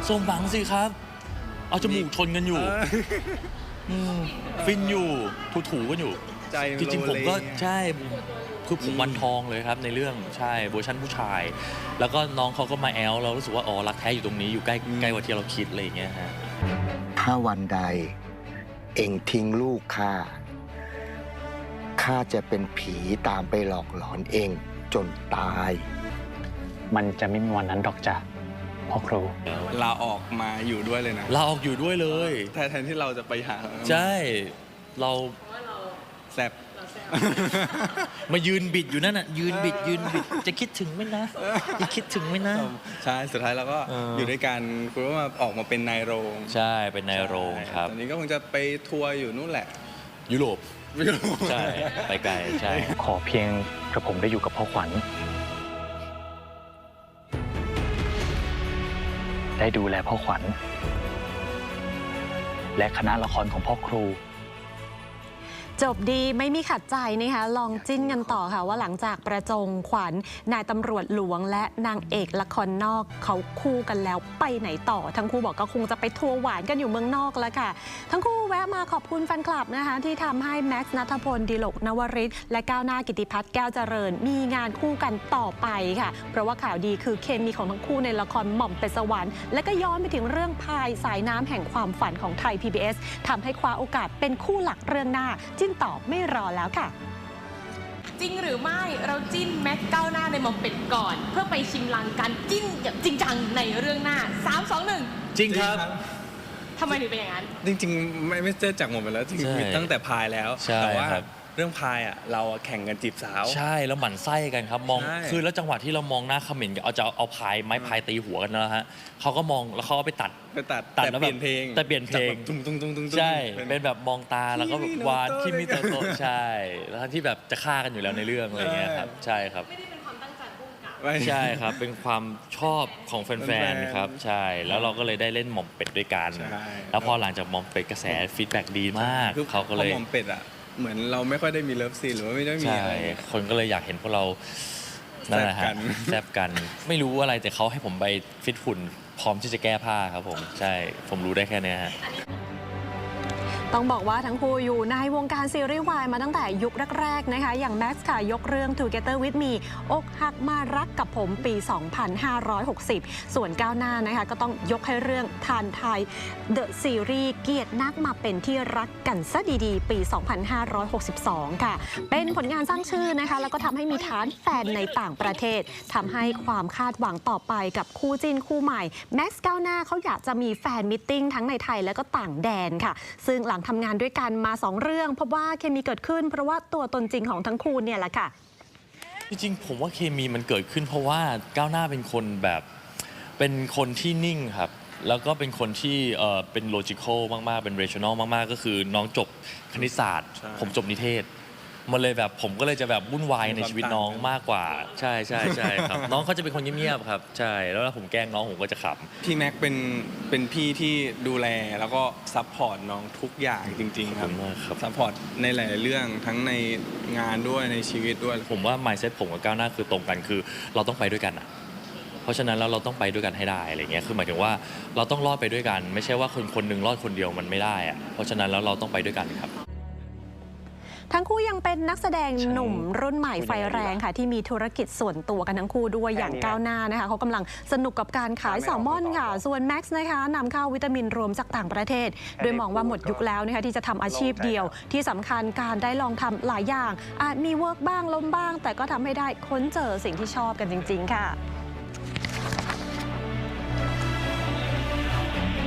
สมหวังสิครับเอาจมูกชนกันอยู่ฟินอยู่ถูกันอยู่จริงๆผมก็ใช่คือผมวันทองเลยครับในเรื่องใช่เวอร์ชันผู้ชายแล้วก็น้องเขาก็มาแอลเรารู้สึกว่าอ๋อรักแท้อยู่ตรงนี้อยู่ใกล้กว่าที่เราคิดอะไรอย่างเงี้ยฮะถ้าวันใดเอ็งทิ้งลูกข้าจะเป็นผีตามไปหลอกหลอนเองจนตายมันจะไม่มีวันนั้นดอกจ้ะพ่อครูลาออกมาอยู่ด้วยเลยนะลาออกอยู่ด้วยเลยแทนที่เราจะไปหาใช่เราแซ่บมายืนบิดอยู่นั่นน่ะยืนบิดจะคิดถึงไหมนะจะคิดถึงไหมนะใช่สุดท้ายเราก็อยู่ด้วยกันคุณก็มาออกมาเป็นนายโรงใช่เป็นนายโรงครับตอนนี้ก็คงจะไปทัวร์อยู่นู่นแหละยุโรปใช่ไปไกลใช่ขอเพียงกระผมได้อยู่กับพ่อขวัญได้ดูแลพ่อขวัญและคณะละครของพ่อครูจบดีไม่มีขัดใจนะคะลองจิ้นกันต่อค่ะว่าหลังจากประจงขวัญนายตำรวจหลวงและนางเอกละครนอกเขาคู่กันแล้วไปไหนต่อทั้งคู่บอกก็คงจะไปทัวร์หวานกันอยู่เมืองนอกแล้วค่ะทั้งคู่แวะมาขอบคุณแฟนคลับนะคะที่ทำให้แม็กซ์ณัฐพลดิลกนวริศและก้าวหน้ากิติพัฒน์แก้วเจริญมีงานคู่กันต่อไปค่ะเพราะว่าข่าวดีคือเคมีของทั้งคู่ในละครหม่อมเป็ดสวรรค์และก็ย้อนไปถึงเรื่องพายสายน้ำแห่งความฝันของไทย PBS ทำให้คว้าโอกาสเป็นคู่หลักเรื่องหน้าจิ้นต่อไม่รอแล้วค่ะจริงหรือไม่เราจิ้นแม็กก้าวหน้าในหม่อมเป็ดก่อนเพื่อไปชิมลางการจิ้นแบบจริงจังในเรื่องหน้า3 2 1 จริงครับทำไมถึงเป็นอย่างนั้นจริงๆไม่เจอจากหมดไปแล้วจริงๆตั้งแต่พายแล้วแต่ว่าเรื่องพายอ่ะเราแข่งกันจีบสาวใช่แล้วหมั่นไส้กันครับมองคือแล้วจังหวะที่เรามองหน้าเขม่นกันเอาพายไม้พายตีหัวกันนะฮะเขาก็มองแล้วเขาก็ไปตัดแล้วเปลี่ยนเพลงแต่เปลี่ยนเพลงใช่เป็นแบบมองตาแล้วก็แบบวานที่มิโตโตใช่แล้วทั้งที่แบบจะฆ่ากันอยู่แล้วในเรื่องอะไรเงี้ยครับใช่ครับไม่ได้เป็นความตั้งใจพุ่งกลับใช่ครับเป็นความชอบของแฟนๆครับใช่แล้วเราก็เลยได้เล่นหม่อมเป็ดด้วยกันแล้วพอหลังจากหม่อมเป็ดกระแสฟีดแบ็กดีมากเขาก็เลยหม่อมเป็ดอ่ะเหมือนเราไม่ค่อยได้มีเลิฟซีนหรือว่าไม่ได้มีอะไรคนก็เลยอยากเห็นพวกเรานั่นแหละฮะแซบกันไม่รู้อะไรแต่เขาให้ผมไปฟิตหุ่นพร้อมที่จะแก้ผ้าครับผมใช่ผมรู้ได้แค่นี้ฮะต้องบอกว่าทั้งคู่อยู่ในวงการซีรีส์วายมาตั้งแต่ยุคแรกๆนะคะอย่างแม็กซ์ค่ะยกเรื่อง Together with Me อกหักมารักกับผมปี 2560 ส่วนก้าวหน้านะคะก็ต้องยกให้เรื่องทานไทย The Series เกียรตินักมาเป็นที่รักกันซะดีๆปี 2562 ค่ะเป็นผลงานสร้างชื่อนะคะแล้วก็ทำให้มีฐานแฟนในต่างประเทศทำให้ความคาดหวังต่อไปกับคู่จิ้นคู่ใหม่แม็กซ์ก้าวหน้าเขาอยากจะมีแฟนมิทติ้งทั้งในไทยและก็ต่างแดนค่ะซึ่งหลังทำงานด้วยกันมา2เรื่องพบว่าเคมีเกิดขึ้นเพราะว่าตัวตนจริงของทั้งคู่เนี่ยแหละค่ะจริงๆผมว่าเคมีมันเกิดขึ้นเพราะว่าก้าวหน้าเป็นคนแบบเป็นคนที่นิ่งครับแล้วก็เป็นคนที่เป็นโลจิคอลมากๆเป็นเรชั่นอลมากๆก็คือน้องจบคณิตศาสตร์ผมจบนิเทศมันเลยแบบผมก็เลยจะแบบวุ่นวายในชีวิตน้องมากกว่าใช่ครับน้องเขาจะเป็นคนเงียบๆครับใช่แล้วผมแกล้งน้องผมก็จะขำพี่แม็กเป็นพี่ที่ดูแลแล้วก็ซัพพอร์ตน้องทุกอย่างจริงๆครับซัพพอร์ตในหลายๆเรื่องทั้งในงานด้วยในชีวิตด้วยผมว่า mindset ผมกับก้าวหน้าคือตรงกันคือเราต้องไปด้วยกันอ่ะเพราะฉะนั้นแล้วเราต้องไปด้วยกันให้ได้อะไรเงี้ยคือหมายถึงว่าเราต้องรอดไปด้วยกันไม่ใช่ว่าคนหนึ่งรอดคนเดียวมันไม่ได้อ่ะเพราะฉะนั้นแล้วเราต้องไปด้วยกันครับทั้งคู่ยังเป็นนักแสดงหนุ่มรุ่นใหม่ไฟแรงค่ะที่มีธุรกิจส่วนตัวกันทั้งคู่ด้วยอย่างก้าวหน้านะคะเขากำลังสนุกกับการขายแซลมอนค่ะส่วนแม็กซ์นะคะนำเข้าวิตามินรวมจากต่างประเทศโดยมองว่าหมดยุคแล้วนะคะที่จะทำอาชีพเดียวที่สำคัญการได้ลองทำหลายอย่างอาจมีเวิร์กบ้างล้มบ้างแต่ก็ทำให้ได้ค้นเจอสิ่งที่ชอบกันจริงๆค่ะ